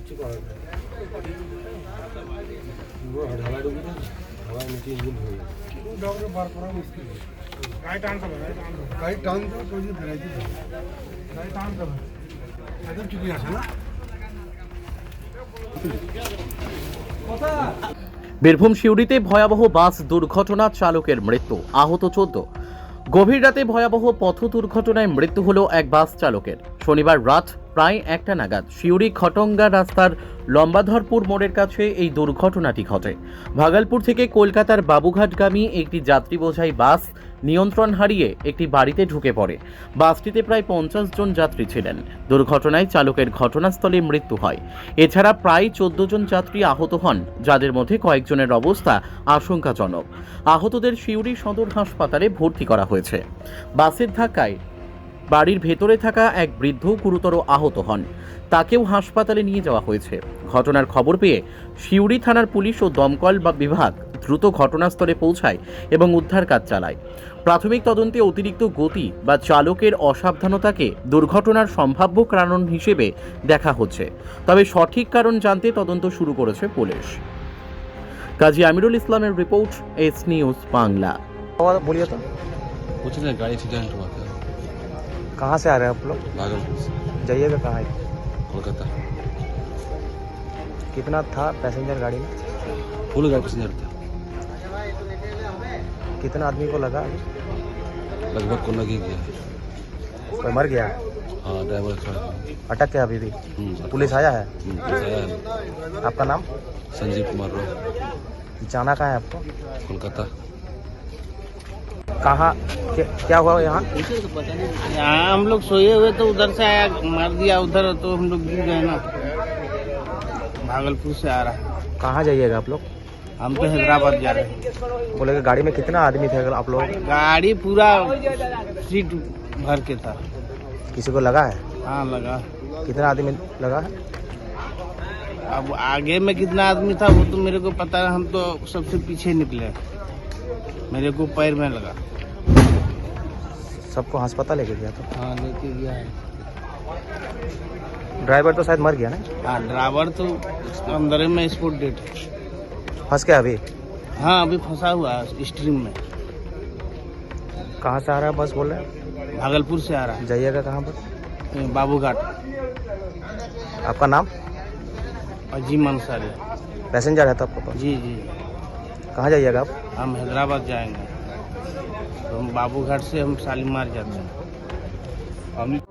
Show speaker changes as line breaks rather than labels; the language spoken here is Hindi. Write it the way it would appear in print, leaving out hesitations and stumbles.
কিচ্ছু করার নেই। পুরো ঢালাই ঢুকিয়ে হাওয়ায় নিচে ইঞ্জিন হয়ে গেছে। ডগরে বার করা মুশকিল। গাড়ি টানতে হবে, গাড়ি টানতে হবে, তো বেরাইতে হবে, গাড়ি টানতে হবে। একদম চুপি আছে না।
বীরভূম সিউড়িতে ভয়াবহ বাস দুর্ঘটনা, চালকের মৃত্যু, আহত 14। গভীর রাতে ভয়াবহ পথ দুর্ঘটনায় মৃত্যু হলো এক বাস চালকের। শনিবার রাত প্রায় 1টা নাগাদ সিউড়ি খটঙ্গা রাস্তার লম্বাধরপুর মোড়ের কাছে এই দুর্ঘটনাটি ঘটে। ভাগলপুর থেকে কলকাতার বাবুঘাটগামী একটি যাত্রী বোঝাই বাস নিয়ন্ত্রণ হারিয়ে একটি বাড়িতে ঢুকে পড়ে। বাসটিতে প্রায় 50 জন যাত্রী ছিলেন। দুর্ঘটনায় চালকের ঘটনাস্থলে মৃত্যু হয়। এছাড়া প্রায় 14 জন যাত্রী আহত হন, যাদের মধ্যে কয়েকজনের অবস্থা আশঙ্কাজনক। আহতদের সিউড়ি সদর হাসপাতালে ভর্তি করা হয়েছে। বাসের ধাক্কায় বাড়ির ভেতরে থাকা এক বৃদ্ধ গুরুতর আহত হন, তাকেও হাসপাতালে নিয়ে যাওয়া হয়েছে। ঘটনার খবর পেয়ে সিউড়ি থানার পুলিশ ও দমকল বিভাগ দ্রুত ঘটনাস্থলে পৌঁছায় এবং উদ্ধার কাজ চালায়। প্রাথমিক তদন্তে অতিরিক্ত গতি বা চালকের অসাবধানতাকে দুর্ঘটনার সম্ভাব্য কারণ হিসেবে দেখা হচ্ছে, তবে সঠিক কারণ জানতে তদন্ত শুরু করেছে পুলিশ। কাজী আমিরুল ইসলামের রিপোর্ট, এস নিউজ বাংলা।
बोलिए तो
कुछ नहीं, गाड़ी एक्सीडेंट हुआ था।
कहाँ से आ रहे हैं आप लोग?
भागलपुर से
जाइएगा कहाँ है?
कोलकाता।
कितना था पैसेंजर गाड़ी में?
फुल गाड़ी पैसेंजर था।
कितना आदमी को लगा?
लगभग को लग ही गया है।
कोई मर गया?
हाँ, ड्राइवर खड़ा था।
अटक क्या अभी भी? पुलिस आया है?
पुलिस आया है।
आपका नाम?
संजीव कुमार रो,
जाना कहाँ है आपको?
कोलकाता।
कहाँ क्या हुआ यहाँ?
यहाँ हम लोग सोए हुए तो उधर से आया, मार दिया उधर, तो हम लोग गिर गए ना। भागलपुर से आ रहा है।
कहाँ जाइएगा आप लोग?
हम तो हैदराबाद जा रहे हैं।
बोले कि गाड़ी में कितना आदमी थे आप लोग?
गाड़ी पूरा सीट भर के था।
किसी को लगा है?
हाँ लगा।
कितना आदमी लगा है?
अब आगे में कितना आदमी था वो तो मेरे को पता है, हम तो सबसे पीछे निकले, मेरे को पैर में लगा।
सबको अस्पताल लेके गया था?
हाँ लेके गया है।
ड्राइवर तो शायद मर गया ना?
हाँ ड्राइवर तो अंदर में स्पॉट डेट है।
फंस गया अभी?
हाँ अभी फंसा हुआ है स्ट्रीम में।
कहाँ से आ रहा है बस बोल रहे हैं?
भागलपुर से आ रहा
जाइएगा कहाँ पर?
है, बाबूघाट।
आपका नाम?
अजीम अंसारी।
पैसेंजर है तो आपको पास?
जी जी,
कहाँ जाइएगा आप?
हम हैदराबाद जाएंगे, तो हम बाबूघाट से हम शालीमार जाते हैं।